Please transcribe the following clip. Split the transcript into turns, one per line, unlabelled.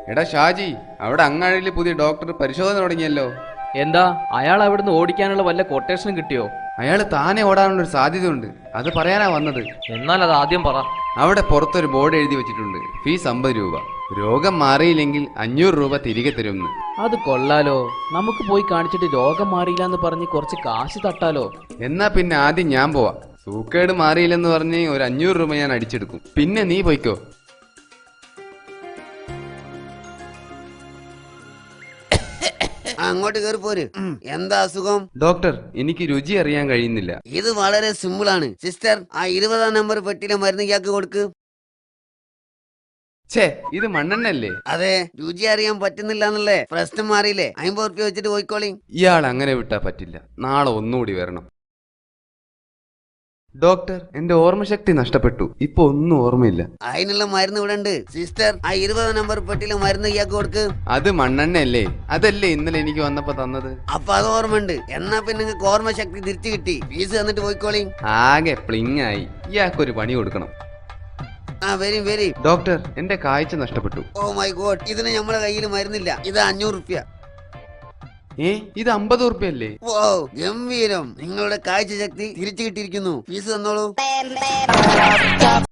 എടാ ഷാജി, അവിടെ അങ്ങാടിയിൽ പുതിയ ഡോക്ടർ പരിശോധന തുടങ്ങിയല്ലോ.
എന്താ അയാൾ അവിടുന്ന് ഓടിക്കാനുള്ള വല്ല കൊട്ടേഷനും കിട്ടിയോ?
അയാൾ താനെ ഓടാനുള്ളൊരു സാധ്യതയുണ്ട്, അത് പറയാനാ വന്നത്.
എന്നാൽ അത് ആദ്യം പറ.
അവിടെ പുറത്തൊരു ബോർഡ് എഴുതി വെച്ചിട്ടുണ്ട്, ഫീസ് 50 രൂപ, രോഗം മാറിയില്ലെങ്കിൽ 500 രൂപ തിരികെ തരുമെന്ന്.
അത് കൊള്ളാലോ. നമുക്ക് പോയി കാണിച്ചിട്ട് രോഗം മാറിയില്ല എന്ന് പറഞ്ഞ് കുറച്ച് കാശ് തട്ടാലോ.
എന്നാ പിന്നെ ആദ്യം ഞാൻ പോവാ. സൂക്കേട് മാറിയില്ലെന്ന് പറഞ്ഞ് ഒരു 500 രൂപ ഞാൻ അടിച്ചെടുക്കും, പിന്നെ നീ പോയിക്കോ.
അങ്ങോട്ട് കയറി പോര്. എന്താ അസുഖം?
ഡോക്ടർ, എനിക്ക് രുചി അറിയാൻ കഴിയുന്നില്ല.
ഇത് വളരെ സിമ്പിൾ ആണ് സിസ്റ്റർ. ആ 20-ാം നമ്പർ പെട്ടിയിലെ മരുന്ന് ഇയാൾക്ക് കൊടുക്ക്.
ഛേ, ഇത് മണ്ണെണ്ണല്ലേ?
അതെ, രുചി അറിയാൻ പറ്റുന്നില്ല എന്നല്ലേ പ്രശ്നം? മാറിയില്ലേ? 50 ഉറുപ്പ്യ വെച്ചിട്ട് പോയിക്കോളി.
ഇയാൾ അങ്ങനെ വിട്ടാ പറ്റില്ല, നാളെ ഒന്നുകൂടി വരണം. ഡോക്ടർ, എന്റെ ഓർമ്മശക്തി നഷ്ടപ്പെട്ടു, ഇപ്പൊ ഒന്നും ഓർമ്മയില്ല.
അതിനുള്ള മരുന്ന് ഇവിടെ ഉണ്ട് സിസ്റ്റർ. ആ 20-ാം നമ്പർ പെട്ടിയിലെ മരുന്ന് ഇയാൾക്ക് കൊടുക്ക്.
അത് മണ്ണെണ്ണയല്ലേ? അതല്ലേ ഇന്നലെ എനിക്ക് വന്നപ്പോ തന്നത്.
അപ്പൊ അത് ഓർമ്മയുണ്ട്. എന്നാ പിന്നെ നിങ്ങൾക്ക് ഓർമ്മശക്തി തിരിച്ചു കിട്ടി. ഫീസ് തന്നിട്ട് പോയിക്കോളി.
ആകെ പ്ലിങ് ആയി. ഇയാൾക്കൊരു പണി കൊടുക്കണം.
ആ വരി വരി.
ഡോക്ടർ, എന്റെ കാഴ്ച നഷ്ടപ്പെട്ടു.
ഓ മൈ ഗോഡ്, ഇതിന് നമ്മളെ കയ്യിൽ മരുന്നില്ല. ഇത് 500 ഉറുപ്പ്യ.
ഇത് 50 ഉറുപ്പ്യല്ലേ?
ഓ ഗംഭീരം, നിങ്ങളുടെ കാഴ്ച ശക്തി തിരിച്ചു കിട്ടിയിരിക്കുന്നു. ഫീസ് തന്നോളൂ.